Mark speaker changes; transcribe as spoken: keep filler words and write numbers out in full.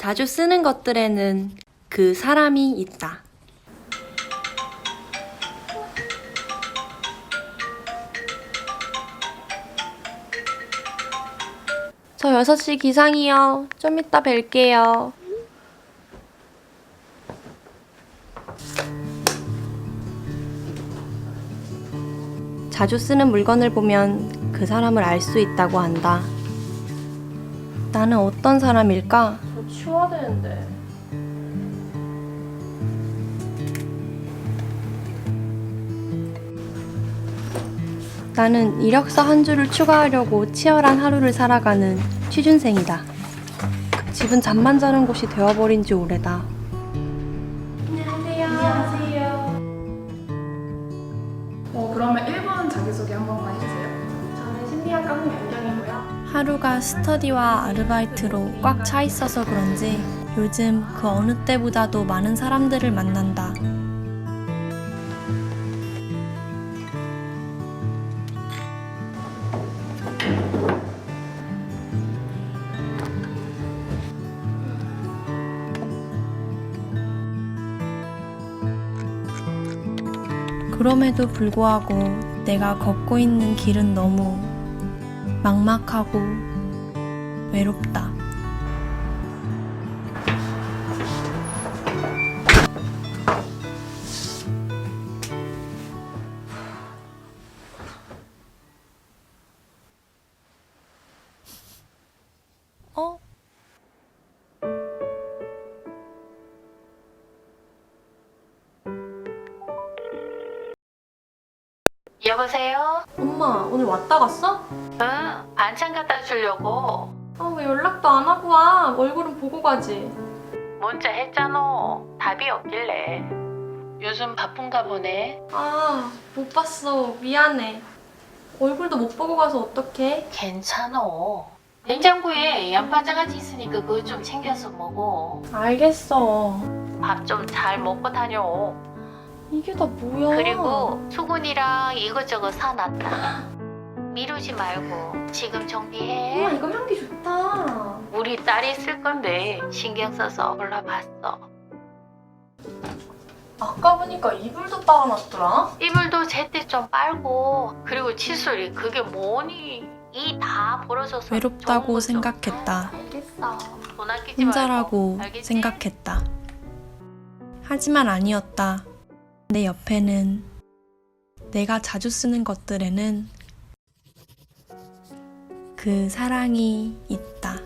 Speaker 1: 자주 쓰는 것들에는 그 사람이 있다. 저 여섯 시 기상이요. 좀 이따 뵐게요. 자주 쓰는 물건을 보면 그 사람을 알 수 있다고 한다. 나는 어떤 사람일까? 저 치워야 되는데. 나는 이력서 한 줄을 추가하려고 치열한 하루를 살아가는 취준생이다. 집은 잠만 자는 곳이 되어버린 지 오래다. 안녕하세요.
Speaker 2: 안녕하세요. 어, 그러면 일 분 자기소개 한 번만 해주세요.
Speaker 1: 저는 심리학과 홍연경이고요. 하루가 스터디와 아르바이트로 꽉 차 있어서 그런지 요즘 그 어느 때보다도 많은 사람들을 만난다. 그럼에도 불구하고 내가 걷고 있는 길은 너무 막막하고 외롭다. 어?
Speaker 3: 여보세요?
Speaker 1: 엄마, 오늘 왔다 갔어?
Speaker 3: 응, 반찬 갖다 주려고.
Speaker 1: 아, 왜 연락도 안 하고 와? 얼굴은 보고 가지.
Speaker 3: 문자 했잖아. 답이 없길래. 요즘 바쁜가 보네.
Speaker 1: 아, 못 봤어. 미안해. 얼굴도 못 보고 가서 어떡해?
Speaker 3: 괜찮아. 냉장고에 양파장아찌 있으니까 그거 좀 챙겨서 먹어.
Speaker 1: 알겠어.
Speaker 3: 밥 좀 잘 먹고 다녀.
Speaker 1: 이게 다 뭐야?
Speaker 3: 그리고 수건이랑 이것저것 사놨다. 미루지 말고 지금 정리해.
Speaker 1: 엄마, 이거 향기 좋다.
Speaker 3: 우리 딸이 쓸 건데 신경 써서 골라봤어.
Speaker 1: 아까 보니까 이불도 빨아놨더라?
Speaker 3: 이불도 제때 좀 빨고. 그리고 칫솔이 그게 뭐니? 이 다 벌어져서
Speaker 1: 외롭다고
Speaker 3: 좋은 거죠.
Speaker 1: 생각했다.
Speaker 3: 알겠어. 돈 아끼지
Speaker 1: 혼자라고
Speaker 3: 말고. 알겠지?
Speaker 1: 생각했다. 하지만 아니었다. 내 옆에는 내가 자주 쓰는 것들에는 그 사랑이 있다.